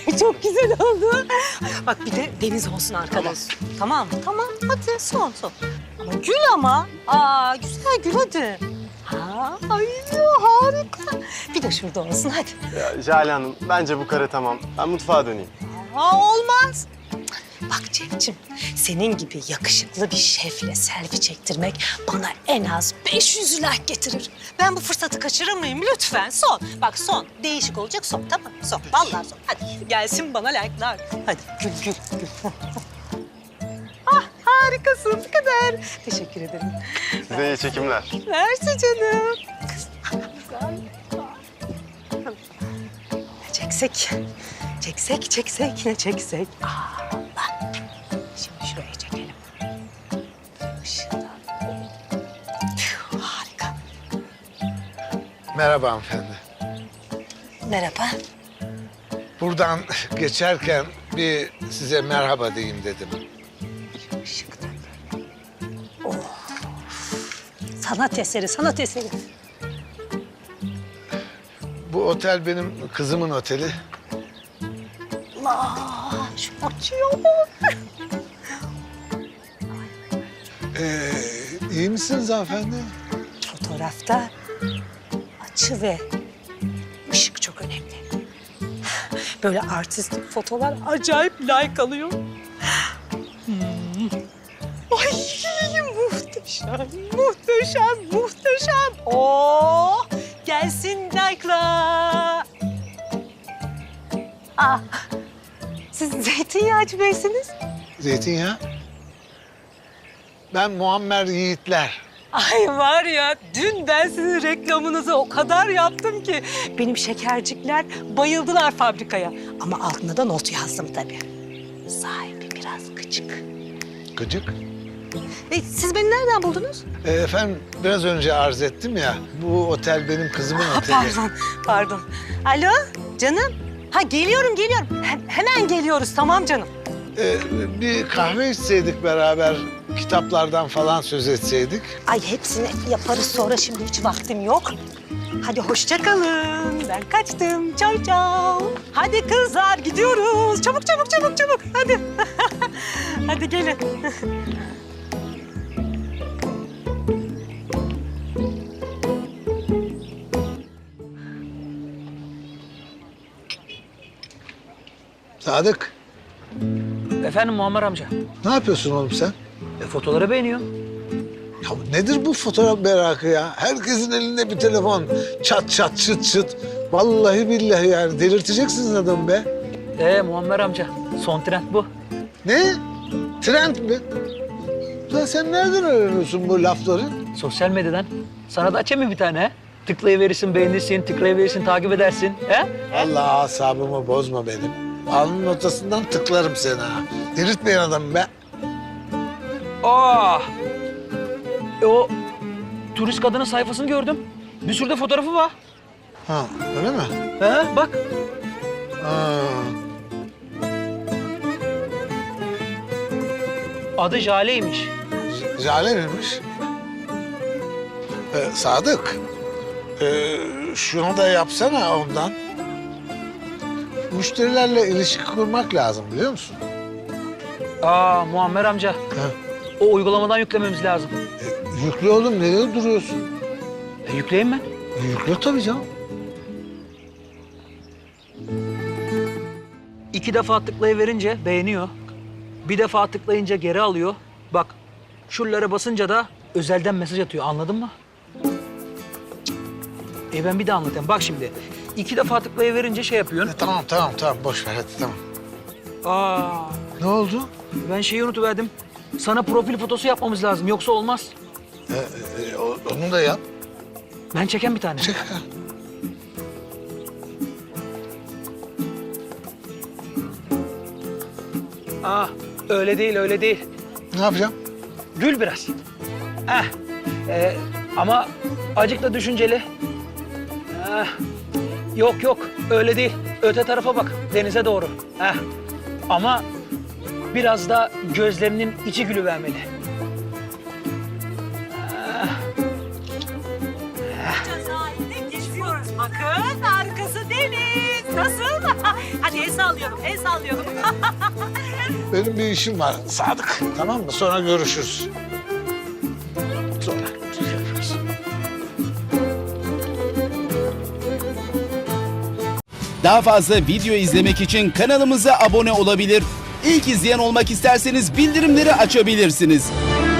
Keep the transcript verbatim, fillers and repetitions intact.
Çok güzel oldu. Bak bir de deniz olsun arkada. Tamam. Tamam, tamam. Hadi son son. Ama gül ama. Aa güzel gül hadi. Ha, ay harika. Bir de şurada olsun hadi. Ya Jale Hanım, bence bu kare tamam. Ben mutfağa döneyim. Aa olmaz. Bak Cevcim, senin gibi yakışıklı bir şefle selfie çektirmek bana en az beş yüz like getirir. Ben bu fırsatı kaçırır mıyım? Lütfen son. Bak son. Değişik olacak son, tamam mı? Son. Vallahi son. Hadi gelsin bana like'lar. Hadi gül gül gül. Ah harikasın. Bu kadar. Teşekkür ederim. Size iyi çekimler. Mersi canım. Kız, güzel. Çeksek, çeksek, çeksek, ne çeksek. Aa, bak. Şimdi şuraya çekelim. Işıktan. Tüh, harika. Merhaba hanımefendi. Merhaba. Buradan geçerken bir size merhaba diyeyim dedim. Işıktan. Oh. Sanat eseri, sanat eseri. Bu otel benim kızımın oteli. Allah, şu açıyor mu? Ee, iyi misiniz hanımefendi? Fotoğrafta açı ve ışık çok önemli. Böyle artistik fotolar acayip like alıyor. Hmm. Ay muhteşem, muhteşem, muhteşem. Oo, gelsin like'lar. Ah, siz Zeytinyağcı Bey'siniz. Zeytinyağı. Ben Muammer Yiğitler. Ay var ya, dün ben sizin reklamınızı o kadar yaptım ki benim şekercikler bayıldılar fabrikaya. Ama altına da not yazdım tabii. Sahibi biraz gıcık. Gıcık. E, siz beni nereden buldunuz? Ee, efendim biraz önce arz ettim ya. Bu otel benim kızımın Ha, oteli. pardon, pardon. Alo, canım. Ha geliyorum, geliyorum. He- hemen geliyoruz, tamam canım. Ee, bir kahve içseydik beraber, kitaplardan falan söz etseydik. Ay hepsini yaparız sonra, şimdi hiç vaktim yok. Hadi hoşça kalın. Ben kaçtım. Çao çao. Hadi kızlar gidiyoruz. Çabuk çabuk çabuk çabuk. Hadi. Hadi gelin. Sadık, Efendim Muammer amca. ne yapıyorsun oğlum sen? E, fotoğrafları beğeniyor. Ya nedir bu fotoğraf merakı ya? Herkesin elinde bir telefon. Çat çat çıt çıt. Vallahi billahi yani delirteceksiniz adamı be. E Muammer amca, son trend bu. Ne? Trend mi? Lan sen nereden öğreniyorsun bu lafları? Sosyal medyadan. Sana da açayım mı bir tane? He? Tıklayıverirsin, beğenirsin, tıklayıverirsin, takip edersin. He? Allah asabımı bozma benim. Alnının ortasından tıklarım seni ha. Delirtmeyin adamı be. Aa! E, o turist kadının sayfasını gördüm. Bir sürü de fotoğrafı var. Ha öyle mi? He? Bak. Ha. Adı Jale'ymiş. J- Jale miymiş? Ee, Sadık. Ee, şunu da yapsana ondan. Müşterilerle ilişki kurmak lazım biliyor musun? Aa Muammer amca. Ha. O uygulamadan yüklememiz lazım. E, yüklü oğlum nereye duruyorsun? E, yükleyeyim ben. E, yüklü tabii canım. İki defa tıklayıverince beğeniyor. Bir defa tıklayınca geri alıyor. Bak şuralara basınca da özelden mesaj atıyor, anladın mı? E ben bir daha anlatayım. Bak şimdi iki defa tıklayıverince şey yapıyorsun. E, tamam tamam tamam boş ver hadi tamam. Aa, Ne oldu? ben şeyi unutuverdim. Sana profil fotosu yapmamız lazım, yoksa olmaz. E, e, o- onu da yap. Ben çeken bir tane. Çek. Aa, öyle değil, öyle değil. Ne yapacağım? Gül biraz. Heh. Ee, ama acık da düşünceli. Heh. Yok yok, öyle değil. Öte tarafa bak, denize doğru. Heh. Ama biraz da gözlerinin içi gülüvermeli. Sahilde geziyoruz. Bakın arkası deniz. Nasıl? Hadi sallıyorum, el sallıyorum. Benim bir işim var Sadık. Tamam mı? Sonra görüşürüz. Sonra görüşürüz. Daha fazla video izlemek için kanalımıza abone olabilir. İlk izleyen olmak isterseniz bildirimleri açabilirsiniz.